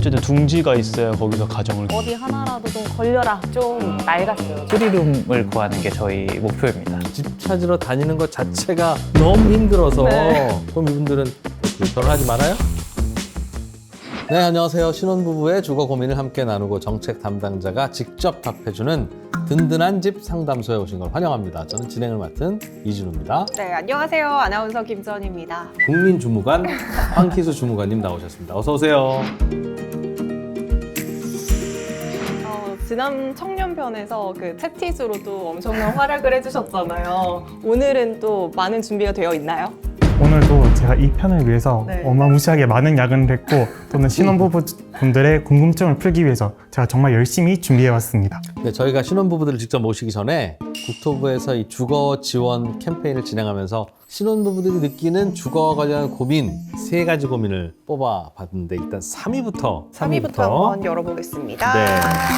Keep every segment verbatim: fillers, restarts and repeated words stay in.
어쨌든 둥지가 있어야 거기서 가정을. 어디 하나라도 좀 걸려라. 좀 낡았어요. 쓰리룸을 구하는 게 저희 목표입니다. 집 찾으러 다니는 것 자체가 너무 힘들어서 네. 그럼 이분들은 결혼하지 말아요? 네, 안녕하세요. 신혼부부의 주거 고민을 함께 나누고 정책 담당자가 직접 답해주는 든든한 집 상담소에 오신 걸 환영합니다. 저는 진행을 맡은 이진우입니다. 네, 안녕하세요. 아나운서 김선입니다. 국민주무관 황희수 주무관님 나오셨습니다. 어서 오세요. 어, 지난 청년편에서 그 채티수로도 엄청난 활약을 해주셨잖아요. 오늘은 또 많은 준비가 되어 있나요? 오늘도 제가 이 편을 위해서 네. 어마무시하게 많은 야근을 했고 또는 신혼부부분들의 궁금증을 풀기 위해서 제가 정말 열심히 준비해왔습니다. 네, 저희가 신혼부부들을 직접 모시기 전에 국토부에서 이 주거 지원 캠페인을 진행하면서 신혼부부들이 느끼는 주거와 관련한 고민 세 가지 고민을 뽑아봤는데 일단 삼 위부터 삼 위부터 한번 열어보겠습니다. 네.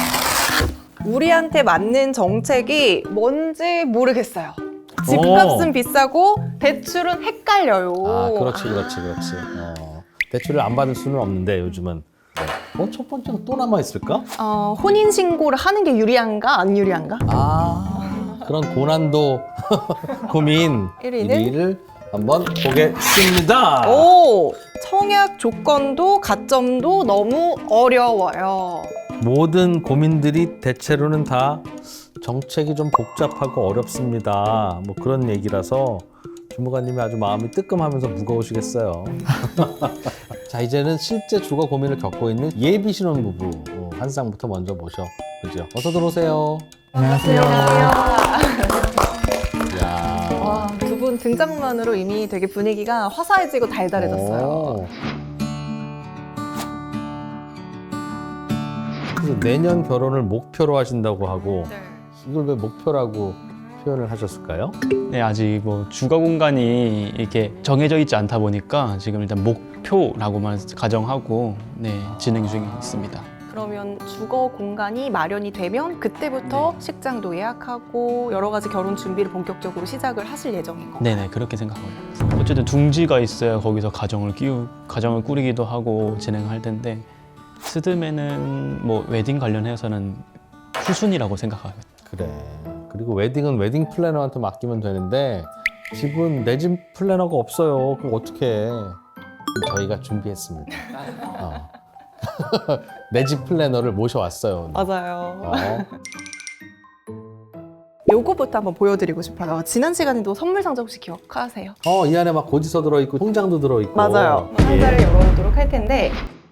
우리한테 맞는 정책이 뭔지 모르겠어요. 오. 집값은 비싸고 대출은 헷갈려요. 아, 그렇지, 그렇지, 그렇지. 어, 대출을 안 받을 수는 없는데 요즘은. 어, 첫 번째가 또 남아 있을까? 어, 혼인신고를 하는 게 유리한가 안 유리한가? 아, 그런 고난도 고민 일 위는? 일 위를 한번 보겠습니다. 오! 청약 조건도 가점도 너무 어려워요. 모든 고민들이 대체로는 다 정책이 좀 복잡하고 어렵습니다. 뭐 그런 얘기라서 주무관님이 아주 마음이 뜨끔하면서 무거우시겠어요. 자, 이제는 실제 주거 고민을 겪고 있는 예비 신혼부부 어, 한 쌍부터 먼저 모셔보죠. 어서 들어오세요. 안녕하세요. 이야. 와, 두 분 등장만으로 이미 되게 분위기가 화사해지고 달달해졌어요. 오. 그래서 내년 결혼을 목표로 하신다고 하고 이걸 왜 목표라고 표현을 하셨을까요? 네, 아직 뭐 주거 공간이 이렇게 정해져 있지 않다 보니까 지금 일단 목표라고만 가정하고 네, 진행 중에 있습니다. 그러면 주거 공간이 마련이 되면 그때부터 네. 식장도 예약하고 여러 가지 결혼 준비를 본격적으로 시작을 하실 예정인 건가요? 네네, 그렇게 생각하고 있습니다. 어쨌든 둥지가 있어야 거기서 가정을 끼우 가정을 꾸리기도 하고 진행할 텐데 스드메는 뭐 웨딩 관련해서는 후순이라고 생각합니다. 그래. 그리고 웨딩은 웨딩 플래너한테 맡기면 되는데 집은 내 집 플래너가 없어요. 그럼 어떡해. 저희가 준비했습니다. 어. 내 집 플래너를 모셔왔어요. 맞아요. 어. 요거부터 한번 보여드리고 싶어요. 지난 시간에도 선물 상자 혹시 기억하세요? 어, 이 안에 막 고지서 들어있고 통장도 들어있고. 맞아요. 예. 상자를 열어보도록 할 텐데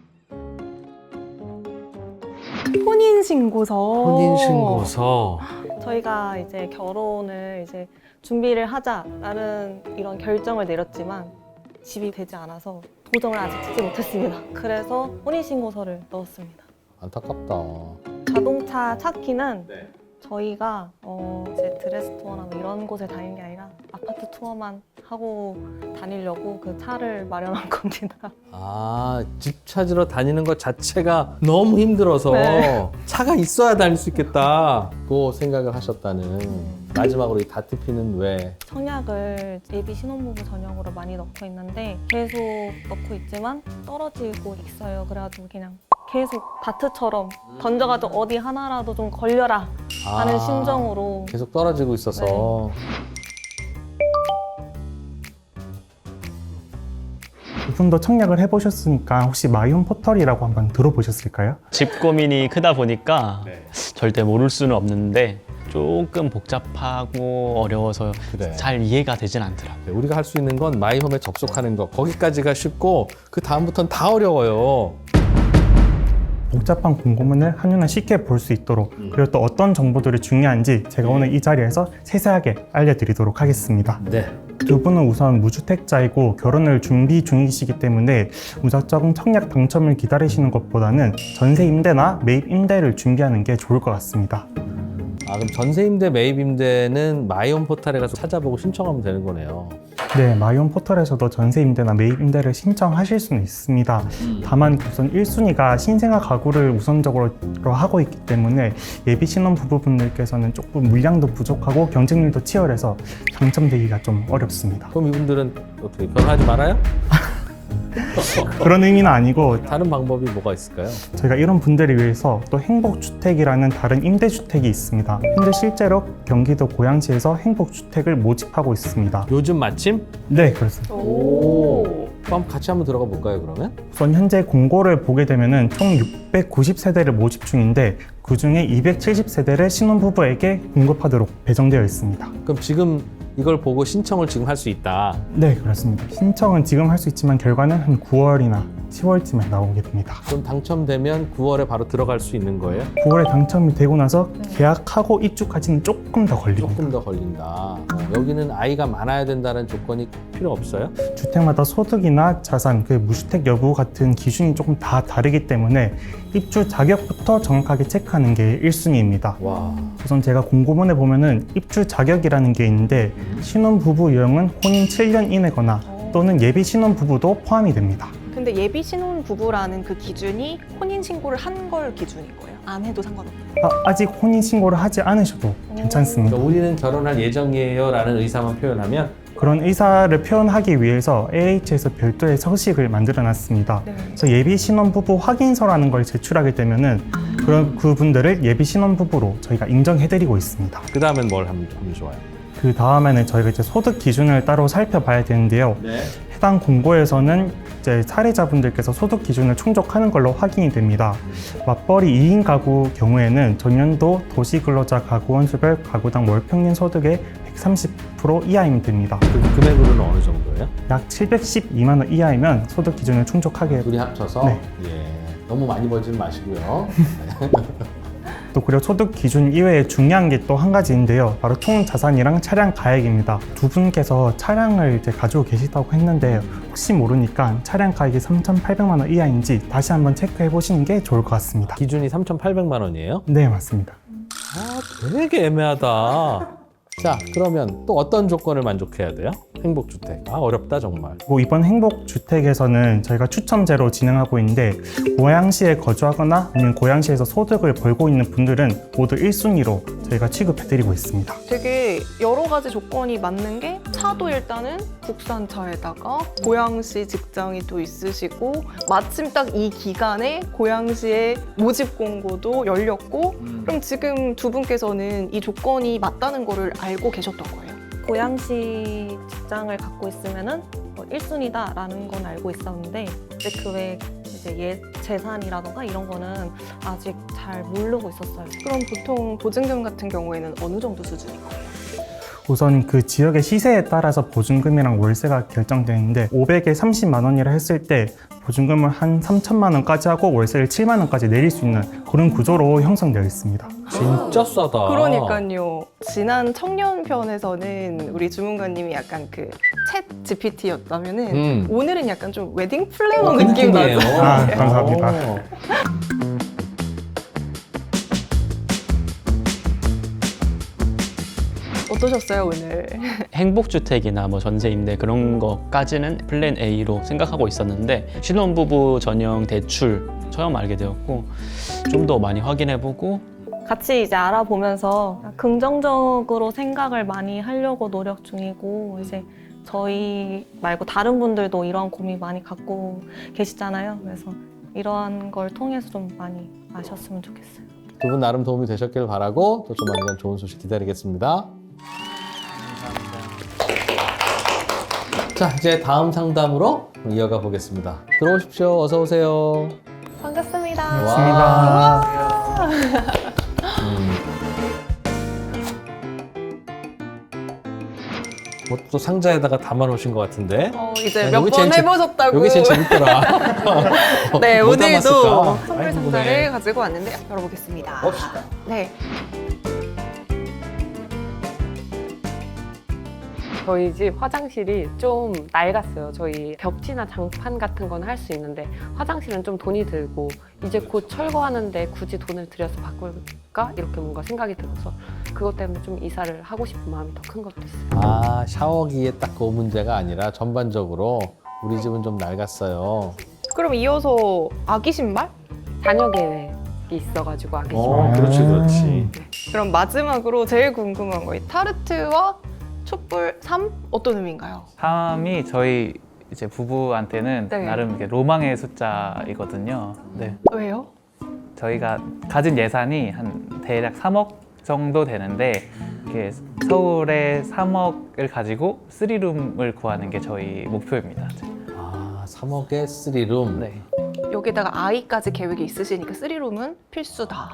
혼인신고서. 혼인신고서. 저희가 이제 결혼을 이제 준비를 하자라는 이런 결정을 내렸지만 집이 되지 않아서 도장을 아직 찍지 못했습니다. 그래서 혼인신고서를 넣었습니다. 안타깝다. 자동차 찾기는 저희가 어 이제 드레스토어나 뭐 이런 곳에 다니는 게 아니라 아파트 투어만 하고 다니려고 그 차를 마련한 겁니다. 아, 집 찾으러 다니는 것 자체가 너무 힘들어서 네. 차가 있어야 다닐 수 있겠다고 생각을 하셨다는. 마지막으로 이 다트피는 왜? 청약을 예비 신혼부부 전용으로 많이 넣고 있는데 계속 넣고 있지만 떨어지고 있어요. 그래가지고 그냥 계속 다트처럼 던져가지고 어디 하나라도 좀 걸려라 하는 아, 심정으로. 계속 떨어지고 있어서. 두 분도 청약을 해보셨으니까 혹시 마이홈 포털이라고 한번 들어보셨을까요? 집 고민이 크다 보니까 절대 모를 수는 없는데 조금 복잡하고 어려워서 그래. 잘 이해가 되진 않더라고요. 우리가 할 수 있는 건 마이홈에 접속하는 거. 거기까지가 쉽고 그 다음부터는 다 어려워요. 복잡한 공고문을 한눈에 쉽게 볼 수 있도록 그리고 또 어떤 정보들이 중요한지 제가 오늘 이 자리에서 세세하게 알려드리도록 하겠습니다. 네. 두 분은 우선 무주택자이고 결혼을 준비 중이시기 때문에 무작정 청약 당첨을 기다리시는 것보다는 전세 임대나 매입 임대를 준비하는 게 좋을 것 같습니다. 아, 그럼 전세임대, 매입임대는 마이홈 포털에 가서 찾아보고 신청하면 되는 거네요. 네, 마이홈 포털에서도 전세 임대나 매입 임대를 신청하실 수는 있습니다. 다만 우선 일 순위가 신생아 가구를 우선적으로 하고 있기 때문에 예비 신혼 부부분들께서는 조금 물량도 부족하고 경쟁률도 치열해서 당첨되기가 좀 어렵습니다. 그럼 이분들은 어떻게 결혼하지 말아요? 그런 의미는 아니고 다른 방법이 뭐가 있을까요? 저희가 이런 분들을 위해서 또 행복주택이라는 다른 임대주택이 있습니다. 현재 실제로 경기도 고양시에서 행복주택을 모집하고 있습니다. 요즘 마침? 네, 그렇습니다. 오. 그럼 같이 한번 들어가 볼까요, 그러면? 우선 현재 공고를 보게 되면은 총 육백구십 세대를 모집 중인데 그 중에 이백칠십 세대를 신혼부부에게 공급하도록 배정되어 있습니다. 그럼 지금 이걸 보고 신청을 지금 할 수 있다. 네, 그렇습니다. 신청은 지금 할 수 있지만 결과는 한 구월이나 시월쯤에 나오게 됩니다. 그럼 당첨되면 구월에 바로 들어갈 수 있는 거예요? 구월에 당첨이 되고 나서 계약하고 입주까지는 조금 더 걸립니다. 조금 더 걸린다. 어, 여기는 아이가 많아야 된다는 조건이 필요 없어요? 주택마다 소득이나 자산, 그 무주택 여부 같은 기준이 조금 다 다르기 때문에 입주 자격부터 정확하게 체크하는 게 일 순위입니다. 와. 우선 제가 공고문에 보면은 입주 자격이라는 게 있는데 신혼부부 유형은 혼인 칠 년 이내거나 또는 예비 신혼부부도 포함이 됩니다. 근데 예비 신혼 부부라는 그 기준이 혼인 신고를 한 걸 기준인 거예요? 안 해도 상관없어요? 아, 아직 혼인 신고를 하지 않으셔도 괜찮습니다. 그러니까 우리는 결혼할 예정이에요 라는 의사만 표현하면 그런 의사를 표현하기 위해서 에이에이치에서 별도의 서식을 만들어 놨습니다. 네. 그래서 예비 신혼부부 확인서라는 걸 제출하게 되면은 그런 그분들을 예비 신혼부부로 저희가 인정해드리고 있습니다. 그 다음엔 뭘 하면, 하면 좋아요? 그 다음에는 저희가 이제 소득 기준을 따로 살펴봐야 되는데요. 네. 해당 공고에서는 이제 사례자분들께서 소득 기준을 충족하는 걸로 확인이 됩니다. 맞벌이 이 인 가구 경우에는 전년도 도시근로자 가구 원수별 가구당 월 평균 소득의 백삼십 퍼센트 이하이면 됩니다. 그 금액으로는 어느 정도예요? 약 칠백십이만 원 이하이면 소득 기준을 충족하게. 둘이 합쳐서? 네. 예. 너무 많이 벌지는 마시고요. 또 그리고 소득 기준 이외에 중요한 게 또 한 가지인데요. 바로 총 자산이랑 차량 가액입니다. 두 분께서 차량을 이제 가지고 계시다고 했는데 혹시 모르니까 차량 가액이 삼천팔백만 원 이하인지 다시 한번 체크해 보시는 게 좋을 것 같습니다. 기준이 삼천팔백만 원이에요? 네, 맞습니다. 아, 되게 애매하다. 자, 그러면 또 어떤 조건을 만족해야 돼요? 행복주택. 아, 어렵다 정말. 뭐 이번 행복주택에서는 저희가 추첨제로 진행하고 있는데 고양시에 거주하거나 아니면 고양시에서 소득을 벌고 있는 분들은 모두 일 순위로 저희가 취급해드리고 있습니다. 되게 여러 가지 조건이 맞는 게 차도 일단은 국산차에다가 고양시 직장이 또 있으시고 마침 딱 이 기간에 고양시에 모집 공고도 열렸고 그럼 지금 두 분께서는 이 조건이 맞다는 거를 알고 계셨던 거예요? 고양시 직장을 갖고 있으면은 일 순위다라는 건 알고 있었는데 이제 그 외에 이제 예 재산이라던가 이런 거는 아직 잘 모르고 있었어요. 그럼 보통 보증금 같은 경우에는 어느 정도 수준인 거예요? 우선 그 지역의 시세에 따라서 보증금이랑 월세가 결정되는데 오백에 삼십만 원이라 했을 때 보증금을 한 삼천만 원까지 하고 월세를 칠만 원까지 내릴 수 있는 그런 구조로 형성되어 있습니다. 진짜 싸다. 그러니까요. 지난 청년 편에서는 우리 주문관님이 약간 그 챗 지피티였다면은 음. 오늘은 약간 좀 웨딩 플래너 어, 그 느낌 느낌이에요. 나죠? 아, 감사합니다. 어. 어떠셨어요 오늘? 행복주택이나 뭐 전세 임대 그런 것까지는 플랜 A로 생각하고 있었는데 신혼부부 전용 대출 처음 알게 되었고 좀 더 많이 확인해보고 같이 이제 알아보면서 긍정적으로 생각을 많이 하려고 노력 중이고 이제 저희 말고 다른 분들도 이런 고민 많이 갖고 계시잖아요. 그래서 이러한 걸 통해서 좀 많이 아셨으면 좋겠어요. 두 분 나름 도움이 되셨길 바라고 또 조만간 좋은 소식 기다리겠습니다. 자, 이제 다음 상담으로 이어가 보겠습니다. 들어오십시오. 어서 오세요. 반갑습니다. 반갑습니다. 음. 뭐 또 상자에다가 담아 놓으신 것 같은데. 어, 이제 야, 몇 여기 번 제일 재- 해보셨다고. 여기 제일 재밌더라. 네, 뭐 오늘도 담았을까? 선물 아이, 상자를 궁금해. 가지고 왔는데 열어보겠습니다. 봅시다. 네. 저희 집 화장실이 좀 낡았어요. 저희 벽지나 장판 같은 건 할 수 있는데 화장실은 좀 돈이 들고 이제 곧 철거하는데 굳이 돈을 들여서 바꿀까? 이렇게 뭔가 생각이 들어서 그것 때문에 좀 이사를 하고 싶은 마음이 더 큰 것도 있어요. 아, 샤워기에 딱 그 문제가 아니라 전반적으로 우리 집은 좀 낡았어요. 그럼 이어서 아기 신발? 자녀 계획이 있어가지고 아기 신발. 어, 그렇지, 그렇지. 그럼 마지막으로 제일 궁금한 거 이 타르트와 촛불 삼 어떤 의미인가요? 삼이 저희 이제 부부한테는 네. 나름 이렇게 로망의 숫자이거든요. 네. 왜요? 저희가 가진 예산이 한 대략 삼억 정도 되는데 이렇게 서울에 삼억을 가지고 쓰리룸을 구하는 게 저희 목표입니다. 아, 삼억에 쓰리룸. 네. 여기다가 아이까지 계획이 있으시니까 쓰리룸은 필수다.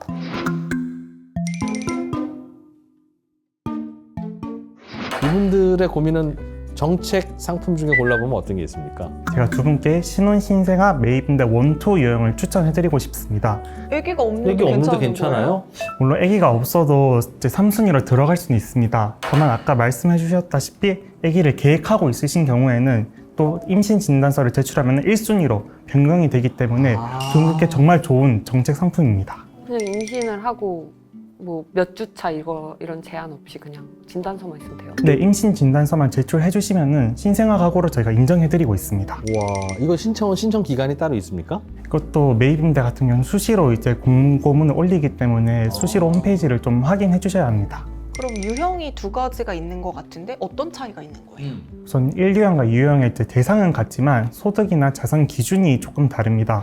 이분들의 고민은 정책 상품 중에 골라보면 어떤 게 있습니까? 제가 두 분께 신혼 신생아 매입임대 원투 유형을 추천해드리고 싶습니다. 애기가 없는데 여기 없는데 괜찮은 괜찮아요? 물론 아기가 없어도 이제 삼 순위로 들어갈 수는 있습니다. 다만 아까 말씀해 주셨다시피 아기를 계획하고 있으신 경우에는 또 임신 진단서를 제출하면 일 순위로 변경이 되기 때문에 아. 두 분께 정말 좋은 정책 상품입니다. 그냥 임신을 하고 뭐 몇 주 차 이거 이런 제한 없이 그냥 진단서만 있으면 돼요. 네, 임신 진단서만 제출해 주시면은 신생아 가구로 저희가 인정해 드리고 있습니다. 와, 이거 신청은 신청 기간이 따로 있습니까? 이것도 매입임대 같은 경우는 수시로 이제 공고문을 올리기 때문에 수시로 홈페이지를 좀 확인해 주셔야 합니다. 그럼 유형이 두 가지가 있는 것 같은데 어떤 차이가 있는 거예요? 우선 일 유형과 이 유형의 이제 대상은 같지만 소득이나 자산 기준이 조금 다릅니다.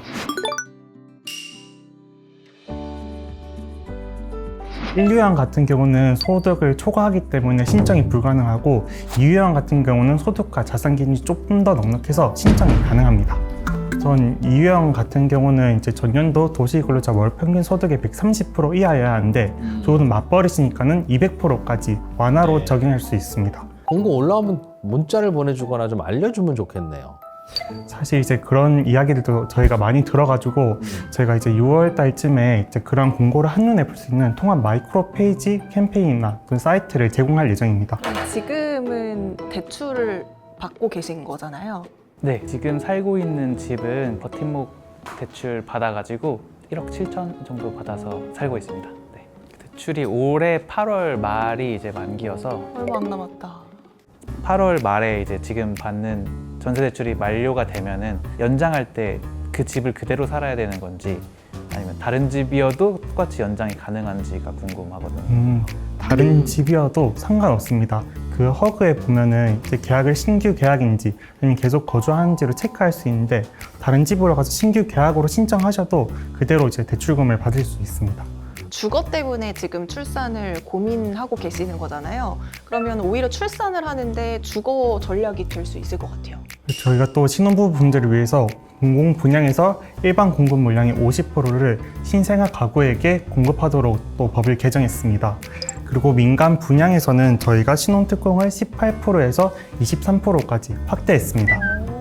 일 유형 같은 경우는 소득을 초과하기 때문에 신청이 불가능하고 이 유형 같은 경우는 소득과 자산 기준이 조금 더 넉넉해서 신청이 가능합니다. 우선 이 유형 같은 경우는 이제 전년도 도시근로자 월 평균 소득의 백삼십 퍼센트 이하여야 하는데 저는 맞벌이시니까는 이백 퍼센트까지 완화로 적용할 수 있습니다. 공고 올라오면 문자를 보내주거나 좀 알려주면 좋겠네요. 사실 이제 그런 이야기들도 저희가 많이 들어가지고 저희가 이제 유월 달쯤에 이제 그런 공고를 한눈에 볼 수 있는 통합 마이크로 페이지 캠페인이나 그 사이트를 제공할 예정입니다. 지금은 대출을 받고 계신 거잖아요. 네. 지금 살고 있는 집은 버팀목 대출 받아가지고 일억 칠천 정도 받아서 살고 있습니다. 네. 대출이 올해 팔월 말이 이제 만기여서 얼마 안 남았다. 팔월 말에 이제 지금 받는 전세 대출이 만료가 되면은 연장할 때 그 집을 그대로 살아야 되는 건지 아니면 다른 집이어도 똑같이 연장이 가능한지가 궁금하거든요. 음, 다른 집이어도 상관없습니다. 그 허그에 보면은 이제 계약을 신규 계약인지 아니면 계속 거주하는지를 체크할 수 있는데 다른 집으로 가서 신규 계약으로 신청하셔도 그대로 이제 대출금을 받을 수 있습니다. 주거 때문에 지금 출산을 고민하고 계시는 거잖아요. 그러면 오히려 출산을 하는데 주거 전략이 될 수 있을 것 같아요. 저희가 또 신혼부부분들을 위해서 공공 분양에서 일반 공급 물량의 오십 퍼센트를 신생아 가구에게 공급하도록 또 법을 개정했습니다. 그리고 민간 분양에서는 저희가 신혼 특공을 십팔 퍼센트에서 이십삼 퍼센트까지 확대했습니다.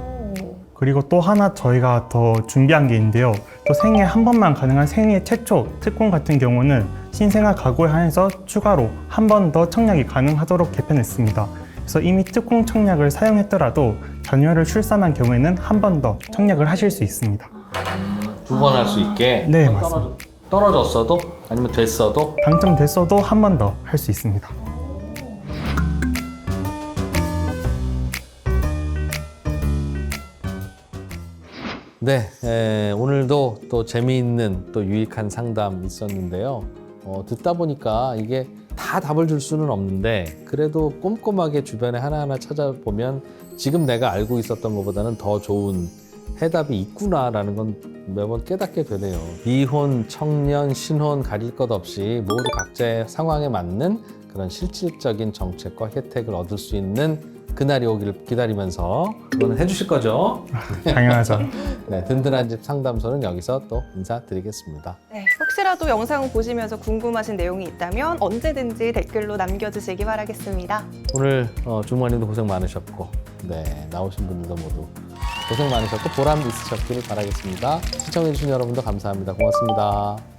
그리고 또 하나 저희가 더 준비한 게 있는데요. 또 생애 한 번만 가능한 생애 최초 특공 같은 경우는 신생아 가구에 한해서 추가로 한 번 더 청약이 가능하도록 개편했습니다. 그래서 이미 특공 청약을 사용했더라도 자녀를 출산한 경우에는 한 번 더 청약을 하실 수 있습니다. 두 번 할 수 있게? 네, 맞습니다. 떨어졌어도? 아니면 됐어도? 당첨됐어도 한 번 더 할 수 있습니다. 네, 에, 오늘도 또 재미있는 또 유익한 상담 있었는데요. 어, 듣다 보니까 이게 다 답을 줄 수는 없는데 그래도 꼼꼼하게 주변에 하나하나 찾아보면 지금 내가 알고 있었던 것보다는 더 좋은 해답이 있구나라는 건 매번 깨닫게 되네요. 이혼, 청년, 신혼 가릴 것 없이 모두 각자의 상황에 맞는 그런 실질적인 정책과 혜택을 얻을 수 있는 그날이 오기를 기다리면서 그거는 해주실 거죠? 당연하죠. 네, 든든한 집 상담소는 여기서 또 인사드리겠습니다. 네, 혹시라도 영상 보시면서 궁금하신 내용이 있다면 언제든지 댓글로 남겨주시기 바라겠습니다. 오늘 어, 주무관님도 고생 많으셨고 네, 나오신 분들도 모두 고생 많으셨고 보람 있으셨기를 바라겠습니다. 시청해주신 여러분도 감사합니다. 고맙습니다.